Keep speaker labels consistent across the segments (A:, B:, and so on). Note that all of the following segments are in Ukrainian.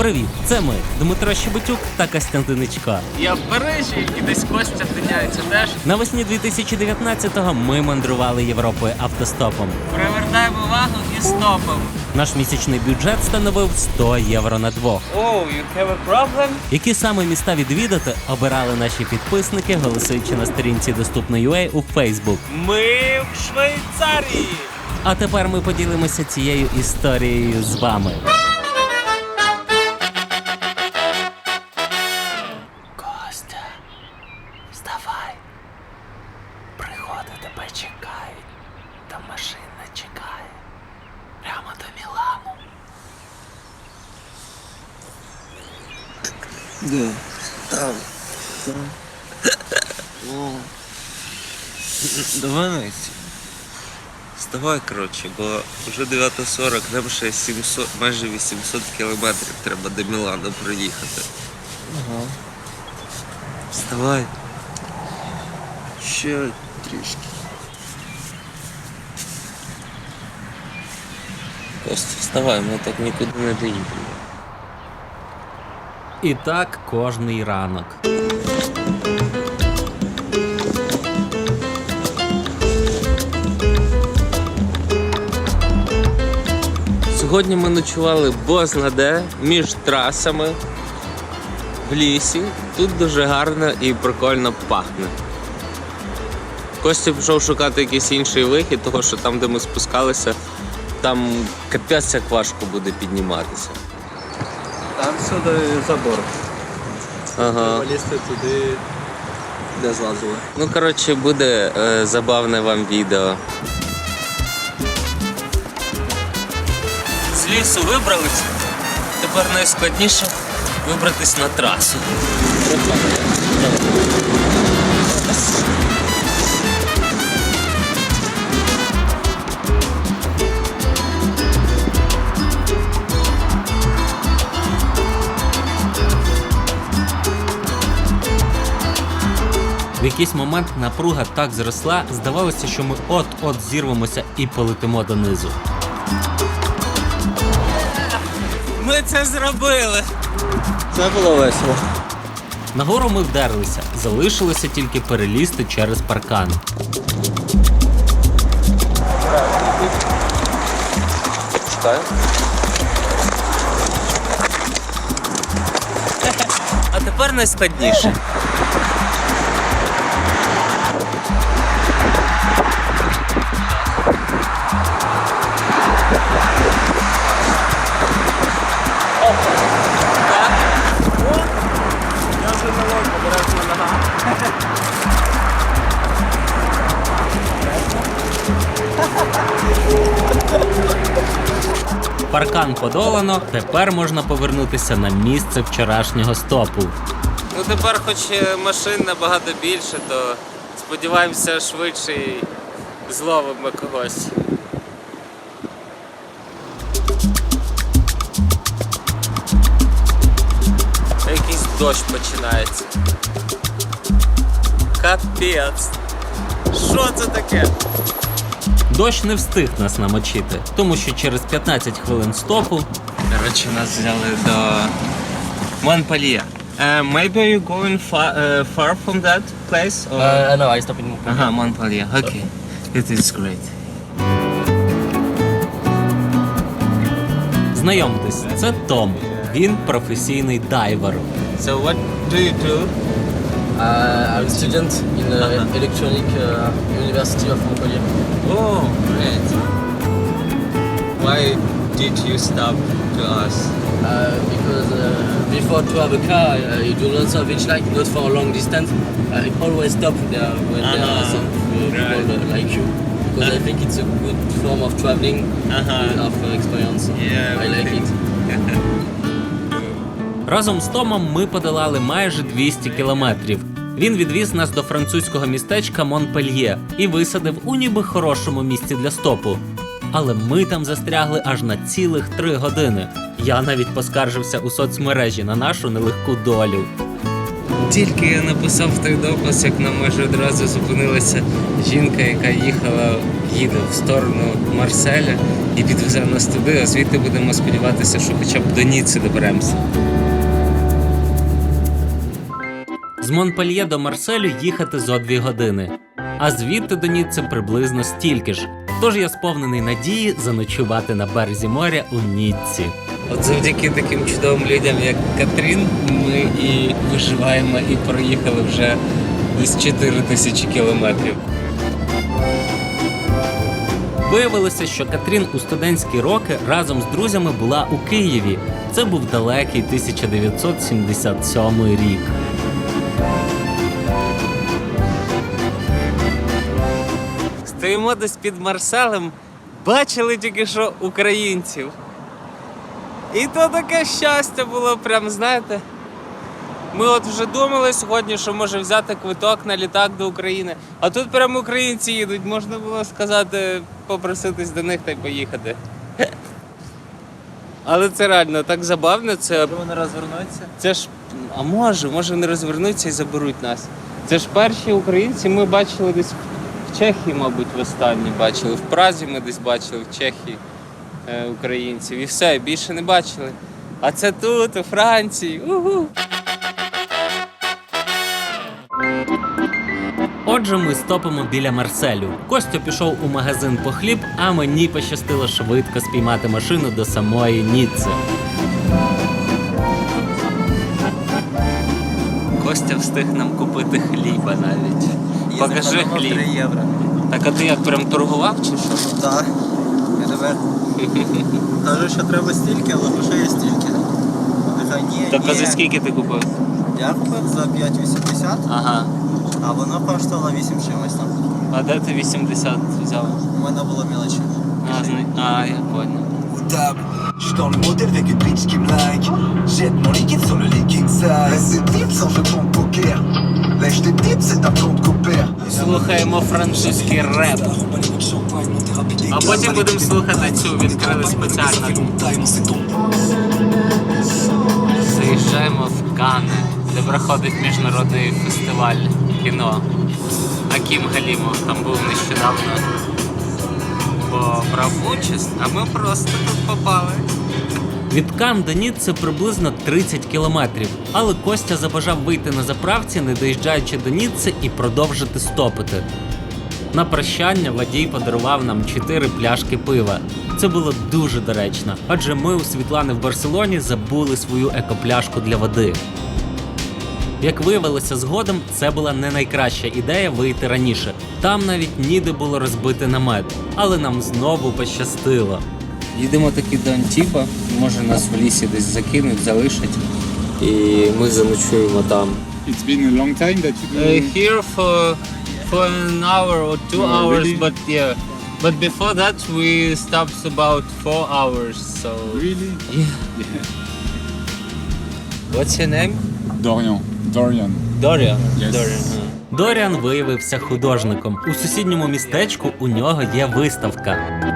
A: Привіт, це ми, Дмитро Щебетюк та Костянтиничко.
B: Я в Парижі і десь Костя тиняється теж.
A: Навесні 2019-го ми мандрували Європою автостопом.
B: Привертаємо увагу і стопом.
A: Наш місячний бюджет становив 100 євро на двох.
B: Oh, you have a problem?
A: Які саме міста відвідати, обирали наші підписники, голосуючи на сторінці Доступно.ua у Facebook.
B: Ми в Швейцарії.
A: А тепер ми поділимося цією історією з вами. Костя, вставай. Пригоди тебе чекають. Та машина чекає. Прямо до Мілану.
C: Да, там. Давай найти. Вставай, коротше, бо вже 9:40, нам ще 700, майже 800 кілометрів треба до Мілану проїхати. Ага. Вставай. Ще трішки. Костя, вставай, ми так нікуди не доїдемо.
A: І так кожний ранок.
C: Сьогодні ми ночували бозна де, між трасами, в лісі. Тут дуже гарно і прикольно пахне. Костя пішов шукати якийсь інший вихід, тому що там, де ми спускалися, там капець як важко буде підніматися.
D: Там сюди забор.
C: Ага.
D: Полізти туди, де злазили.
C: Ну, коротше, буде забавне вам відео. З лісу вибрались, тепер найскладніше вибратись на трасу.
A: В якийсь момент напруга так зросла, здавалося, що ми от-от зірвемося і полетимо донизу.
C: Ми це зробили!
D: Це було весело.
A: Нагору ми вдерлися, залишилося тільки перелізти через паркан.
C: А тепер найскладніше.
B: Я вже не можу, обережно нога.
A: Паркан подолано, тепер можна повернутися на місце вчорашнього стопу.
C: Ну тепер хоч машин набагато більше, то сподіваємося швидше і зловимо когось. Якийсь дощ починається. Капець. Що це таке?
A: Дощ не встиг нас намочити, тому що через 15 хвилин стопу
C: Коротше, нас взяли до Монпельє. Maybe you're going far from that place? Or...
D: No, I stop in
C: Ага, Монпельє. Окей. It is great.
A: знайомтесь, це Том. Він професійний дайвер.
C: So what do you do?
D: I'm a student in Electronic University of Montpellier.
C: Oh, great. Why did you stop to us?
D: Because before to have a car, you do lots of hitchhike, not for a long distance. I always stop there when there are some people like you. Because I think it's a good form of traveling, of experience.
C: Yeah,
D: I like it.
A: Разом з Томом ми подолали майже 200 кілометрів. Він відвіз нас до французького містечка Монпельє і висадив у ніби хорошому місці для стопу. Але ми там застрягли аж на цілих 3 години. Я навіть поскаржився у соцмережі на нашу нелегку долю.
C: Тільки я написав той допис, як нам майже одразу зупинилася жінка, яка їде в сторону Марселя і підвезе нас туди, а звідти будемо сподіватися, що хоча б до Ніцци доберемося.
A: З Монпельє до Марселю їхати зо 2 години, а звідти до Ніцци приблизно стільки ж. Тож я сповнений надії заночувати на березі моря у Ніцці.
C: От завдяки таким чудовим людям, як Катрін, ми і виживаємо і проїхали вже десь 4000 кілометрів.
A: Виявилося, що Катрін у студентські роки разом з друзями була у Києві. Це був далекий 1977 рік.
B: Стоїмо десь під Марселем, бачили тільки що українців. І то таке щастя було, прям, знаєте. Ми от вже думали сьогодні, що може взяти квиток на літак до України. А тут прямо українці їдуть, можна було сказати, попроситись до них та й поїхати. Але це реально так забавно, це...
E: Вони розвернуться?
B: Це ж, а може вони розвернуться і заберуть нас. Це ж перші українці ми бачили десь в Чехії, мабуть, востаннє бачили. В Празі ми десь бачили, в Чехії українців. І все, більше не бачили. А це тут, у Франції. Угу.
A: Отже, ми стопимо біля Марселю. Костя пішов у магазин по хліб, а мені пощастило швидко спіймати машину до самої Ніцци.
C: Костя встиг нам купити хліба навіть.
B: Покажи
E: Їздимо
B: хліб.
E: 3 євро.
B: Так, а ти як, прям торгував чи що?
E: Так. Я тебе кажу, що треба стільки, але грошей є стільки. Нехай ні,
B: Так, а
E: ні.
B: за скільки ти купив?
E: Я купив за 5,80,
B: Ага.
E: а воно коштувало 8 чимось там.
B: А де ти 80 взяв?
E: У мене було мілочі.
B: Я понял.
F: Au table, j'suis dans le modèle avec une bitch qui me like. Jette mon liquide sur le lit king size. Laisse des tips sans jeu de poker. Lèche des tips, c'est un plan de copère.
B: Слухаємо французький реп. А потім будемо слухати цю, відкрили спеціально. Заїжджаємо в Канни, де проходить міжнародний фестиваль кіно. Акім Галімов там був нещодавно. Бо брав участь, а ми просто тут попали.
A: Від Кан до Ніцци приблизно 30 кілометрів, але Костя забажав вийти на заправці, не доїжджаючи до Ніцци, і продовжити стопити. На прощання водій подарував нам 4 пляшки пива. Це було дуже доречно, адже ми у Світлани в Барселоні забули свою екопляшку для води. Як виявилося згодом, це була не найкраща ідея вийти раніше. Там навіть ніде було розбити намет, але нам знову пощастило.
C: Їдемо таки до Антіпа, може нас в лісі десь закинуть, залишать. І ми заночуємо там.
G: It's been a long time that you
B: Here for an hour or 2
G: Oh,
B: hours,
G: really?
B: but yeah. But before that we stopped about 4 hours, so...
G: really?
C: What's your name?
G: Dorian.
B: Dorian?
G: Yes.
B: Dorian.
A: Доріан виявився художником. У сусідньому містечку у нього є виставка.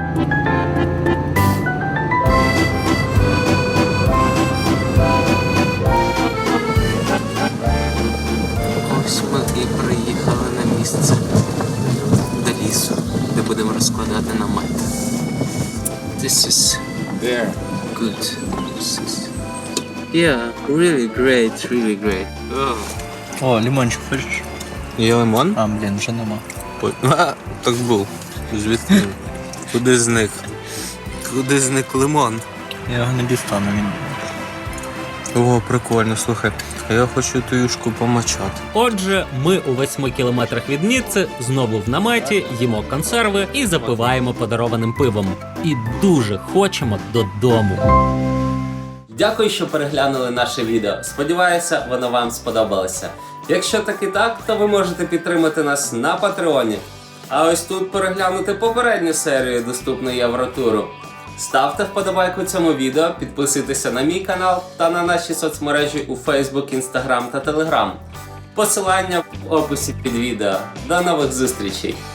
C: Ось ми і приїхали на місце до лісу, де будемо розкладати намет. This is
G: There.
C: good. This is... Yeah, really great. Oh.
E: О, лимончик хочеш?
C: Є лимон?
E: А, блін, вже нема.
C: Так був. Звідки? Куди зник? Куди зник лимон?
E: Я його не дістану, він.
C: О, прикольно, слухай. А я хочу ту юшку помачати.
A: Отже, ми у 8 кілометрах від Ніцци, знову в наметі, їмо консерви і запиваємо подарованим пивом. І дуже хочемо додому. Дякую, що переглянули наше відео. Сподіваюся, воно вам сподобалося. Якщо таки так, то ви можете підтримати нас на Патреоні. А ось тут переглянути попередню серію доступної Євротуру. Ставте вподобайку цьому відео, підписуйтеся на мій канал та на наші соцмережі у Facebook, Instagram та Telegram. Посилання в описі під відео. До нових зустрічей!